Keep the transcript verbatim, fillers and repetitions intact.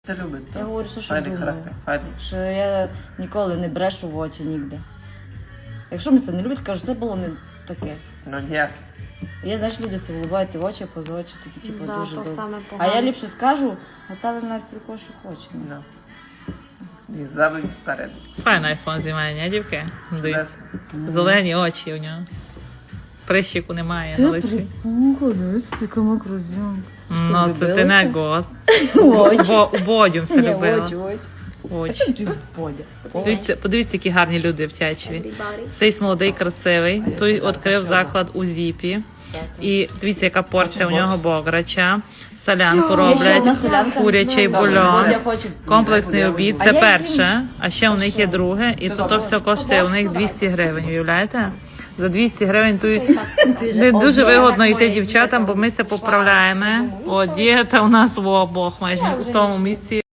Це любить, Я так? говорю, що, що Файний думаю. характер, файний. Що я ніколи не брешу в очі ніде. Якщо мене це не люблять, кажу, це було не таке. Ну ніяк. Є, знаєш, люди себе вилибають в очі, поза очі, такі, типу, Да, дуже то добре. саме А погано. я ліпше скажу, Наталя на сілько, що хоче. Ну. Ну. І ззаду, і спереду. Файний айфон знімає, ні, дівки? Дивіться. Чудесно. Зелені очі у нього. Прищику немає Це на лиці. припухла, дивись, така макрозйомка. Ну, це ти не гос. Очі. Бо у бодю все Ні, любила. очі, очі. А Очі. чому ти подя? Подивіться, подивіться, які гарні люди в Тячеві. Everybody. Цей молодий, красивий. Той відкрив заклад у Зіпі. І дивіться, яка порція у нього бограча. Солянку Є ще одна роблять, солянка. курячий Добре, бульон, Бодя хоче. комплексний обід. А Це я перше, а ще у них є друге. І то, то все коштує у них двісті гривень, уявляєте? За двісті гривень тут не дуже вигодно йти дівчатам, бо ми все поправляємо. О, дієта у нас в обох майже в тому місці.